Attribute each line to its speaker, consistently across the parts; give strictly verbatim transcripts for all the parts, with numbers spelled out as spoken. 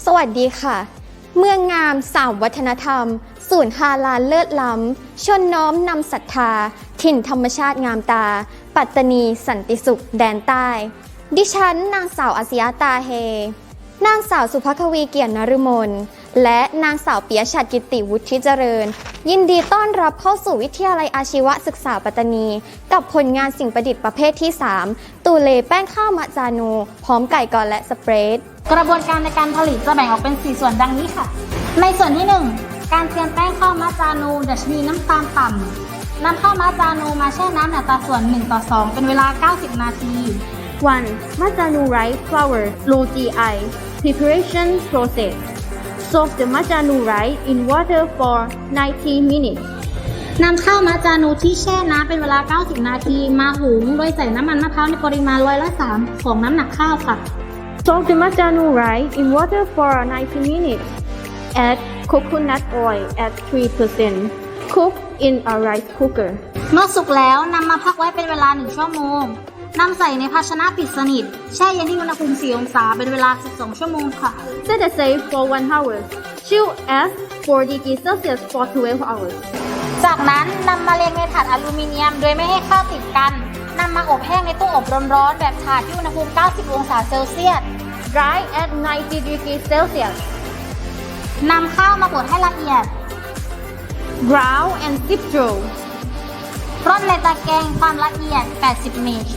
Speaker 1: สวัสดีค่ะเมืองงามสามวัฒนธรรมศูนย์ฮาลาลเลิศล้ำชนน้อมนำศรัทธาถิ่นธรรมชาติงามตาปัตตานีสันติสุขแดนใต้ดิฉันนางสาวอาสยาตาเฮนางสาวสุภควีเกียรตินฤมลและนางสาวปิยชัดกิติวุฒิเจริญยินดีต้อนรับเข้าสู่วิทยาลัยอาชีวศึกษาปัตตานีกับผลงานสิ่งประดิษฐ์ประเภทที่สามตูเลแป้งข้าวมะจานูพร้อมไก่กอและสเปรด
Speaker 2: กระบวนการในการผลิตจะแบ่งออกเป็นสี่ส่วนดังนี้ค่ะในส่วนที่หนึ่งการเตรียมแป้งข้าวมะจานูดัชนีน้ำตาลต่ำนำข้าวมะจานูมาแช่น้ำในอัตราส่วนหนึ่งต่อสองเป็นเวลาเก้าสิบนาที
Speaker 3: one. Majanu rice flour low จี ไอ Preparation process. Soak the majanu rice in water for ninety minutes.
Speaker 2: นำข้าวมะจานูที่แช่น้ำเป็นเวลาเก้าสิบนาทีมาหุงโดยใส่น้ำมันมะพร้าวในปริมาณร้อยละสามของน้ำหนักข้าวค่ะ
Speaker 3: Soak the majanu rice in water for ninety minutes. Add coconut oil at three percent. Cook in a rice cooker.
Speaker 2: เมื่อสุกแล้วนำมาพักไว้เป็นเวลาหนึ่งชั่วโมงนำใส่ในภาชนะปิดสนิทแช่เย็นที่อุณหภูมิสี่องศาเป็นเวลาสิบสองชั่วโมงค่ะ
Speaker 3: Set aside for one hour. Chill at four degrees Celsius for twelve hours.
Speaker 2: จากนั้นนำมาเรียงในถาดอลูมิเนียมโดยไม่ให้ข้าวติดกันนำมาอบแห้งในตู้อบร้อนๆแบบถาดที่อุณหภูมิเก้าสิบองศาเซลเซียส
Speaker 3: Dry at ninety degrees Celsius.
Speaker 2: นำข้าวมาบดให้ละเอียด
Speaker 3: Ground and sip through.
Speaker 2: ร่อนในตะแกรงความละเอียดแปดสิบเมตร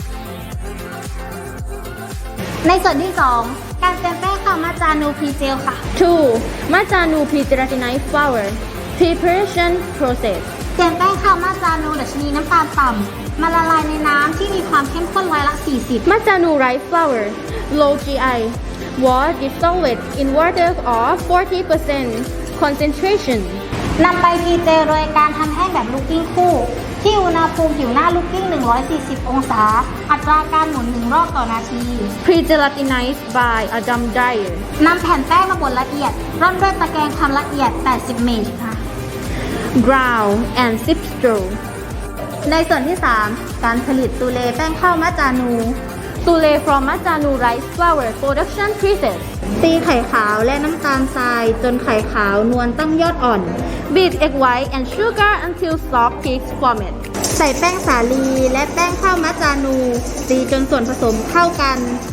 Speaker 2: ในส่วนที่สองการเตรียมแป้งข้าวมะจานูพรีเจลค่ะ
Speaker 3: two. Majanu pre-gelatinized flour. Preparation process.
Speaker 2: เตรียมแป้งข้าวมะจานูดัชนีน้ำตาลต่ำมาละลายในน้ำที่มีความเข้มข้นร้อยละสี่สิบ
Speaker 3: Majanu rice flour. Low จี ไอ Wash dissolved in water of forty percent concentration.
Speaker 2: นำไปพรีเจลโดยการทำแห้งแบบลูกกิ้งคู่ที่อุณหภูมิผิวหน้าลูกกิ้งหนึ่งร้อยสี่สิบองศาอัตราการหมุนหนึ่งรอบต่อนาที
Speaker 3: Pre-gelatinized by a dumb dryer.
Speaker 2: นำแผ่นแป้งมาบดละเอียดร่อนด้วยตะแกรงความละเอียดแปดสิบเมตรค่ะ
Speaker 3: Ground and sip through.
Speaker 2: ในส่วนที่สามการผลิตตูเลแป้งข้าวมะจานู
Speaker 3: Tule from Majanu rice flour production process.
Speaker 2: ตีไข่ขาวและน้ำตาลทรายจนไข่ขาวนวลตั้งยอดอ่อน
Speaker 3: Beat egg white and sugar until soft peaks form it.
Speaker 2: ใส่แป้งสาลีและแป้งข้าวมะจานูตีจนส่วนผสมเข้ากัน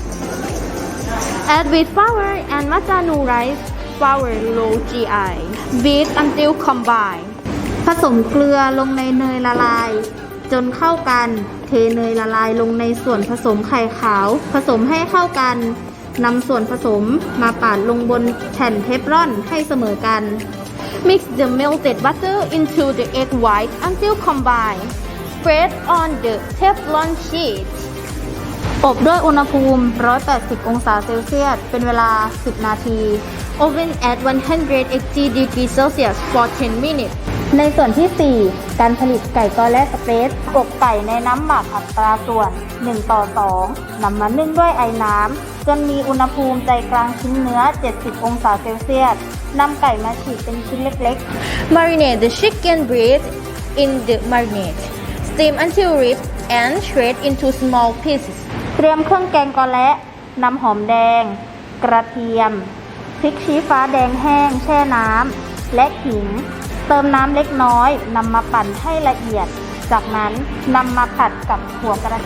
Speaker 3: Add wheat flour and Majanu rice flour low จี ไอ Beat until combined.
Speaker 2: ผสมเกลือลงในเนยละลายจนเข้ากันเทเนยละลายลงในส่วนผสมไข่ขาวผสมให้เข้ากันนำส่วนผสมมาปาดลงบนแผ่นเทฟลอนให้เสมอกัน
Speaker 3: Mix the melted butter into the egg white until combined. Spread on the Teflon sheet.
Speaker 2: อบด้วยอุณหภูมิหนึ่งร้อยแปดสิบองศาเซลเซียสเป็นเวลาสิบนาที
Speaker 3: Oven at one hundred eighty degrees Celsius for ten minutes.
Speaker 2: ในส่วนที่สี่การผลิตไก่กอและสเปรดอบไก่ในน้ำหมักอัตราส่วนหนึ่งต่อสองนำมานึ่งด้วยไอน้ำจนมีอุณหภูมิใจกลางชิ้นเนื้อเจ็ดสิบองศาเซลเซียสนำไก่มาฉีกเป็นชิ้นเล็ก
Speaker 3: Marinate the chicken breast in the marinade. Steam until ripped and shred into small pieces.
Speaker 2: ๆเตรียมเครื่องแกงกอและนำหอมแดงกระเทียมพริกชี้ฟ้าแดงแห้งแช่น้ำและขิงเติมน้ำเล็กน้อยนำมาปั่นให้ละเอียดจากนั้นนำมาผัดกับหัวกระทิ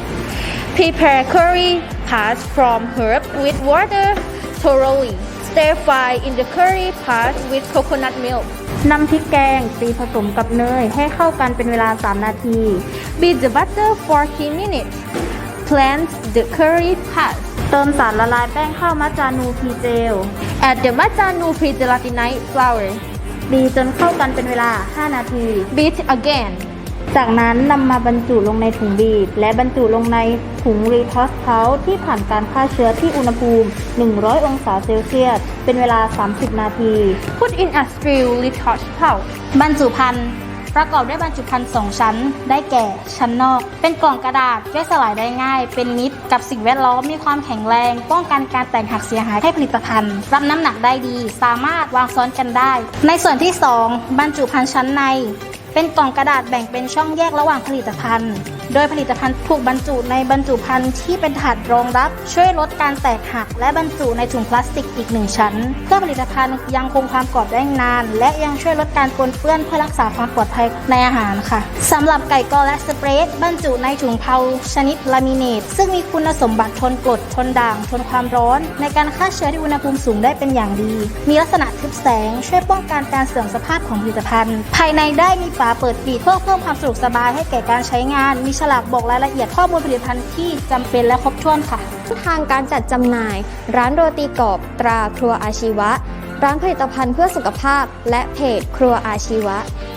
Speaker 3: Prepare curry paste from herb with water thoroughly. Stir fry in the curry paste with coconut milk.
Speaker 2: นำพริกแกงตีผสมกับเนยให้เข้ากันเป็นเวลาสามนาที
Speaker 3: Beat the butter for ten minutes. Plant the curry paste.
Speaker 2: เติมสารละลายแป้งข้าวมะจานูพรีเจล
Speaker 3: Add the Majanu pre-gelatinized flour.
Speaker 2: ตีจนเข้ากันเป็นเวลาห้านาที
Speaker 3: Beat again.
Speaker 2: จากนั้นนำมาบรรจุลงในถุงบีบและบรรจุลงในถุงรีทอสเทาที่ผ่านการฆ่าเชื้อที่อุณหภูมิหนึ่งร้อยองศาเซลเซียสเป็นเวลาสามสิบนาที
Speaker 3: Put in a sterilely touched pouch.
Speaker 2: บรรจุภัณฑ์ประกอบด้วยบรรจุภัณฑ์สองชั้นได้แก่ชั้นนอกเป็นกล่องกระดาษย่อยสลายได้ง่ายเป็นมิตรกับสิ่งแวดล้อมมีความแข็งแรงป้องกันการแตกหักเสียหายให้ผลิตภัณฑ์รับน้ำหนักได้ดีสามารถวางซ้อนกันได้ในส่วนที่สองบรรจุภัณฑ์ชั้นในเป็นกล่องกระดาษแบ่งเป็นช่องแยกระหว่างผลิตภัณฑ์โดยผลิตภัณฑ์ถูกบรรจุในบรรจุภัณฑ์ที่เป็นถาดรองรับช่วยลดการแตกหักและบรรจุในถุงพลาสติกอีกหนึ่งชั้นเพื่อผลิตภัณฑ์ยังคงความกรอบได้นานและยังช่วยลดการปนเปื้อนเพื่อรักษาความปลอดภัยในอาหารค่ะสำหรับไก่กอและสเปรดบรรจุในถุงเผาชนิดลามิเนตซึ่งมีคุณสมบัติทนกรดทนด่างทนความร้อนในการฆ่าเชื้อที่อุณหภูมิสูงได้เป็นอย่างดีมีลักษณะทึบแสงช่วยป้องกันการเสื่อมสภาพของผลิตภัณฑ์ภายในได้มีฝาเปิดปิดเพื่อเพิ่มความสะดวกสบายให้แก่การใช้งานมีฉลากบอกรายละเอียดข้อมูลผลิตภัณฑ์ที่จำเป็นและครบถ้วนค่ะ
Speaker 1: ทางการจัดจำหน่ายร้านโรตีกรอบตราครัวอาชีวะร้านผลิตภัณฑ์เพื่อสุขภาพและเพจครัวอาชีวะ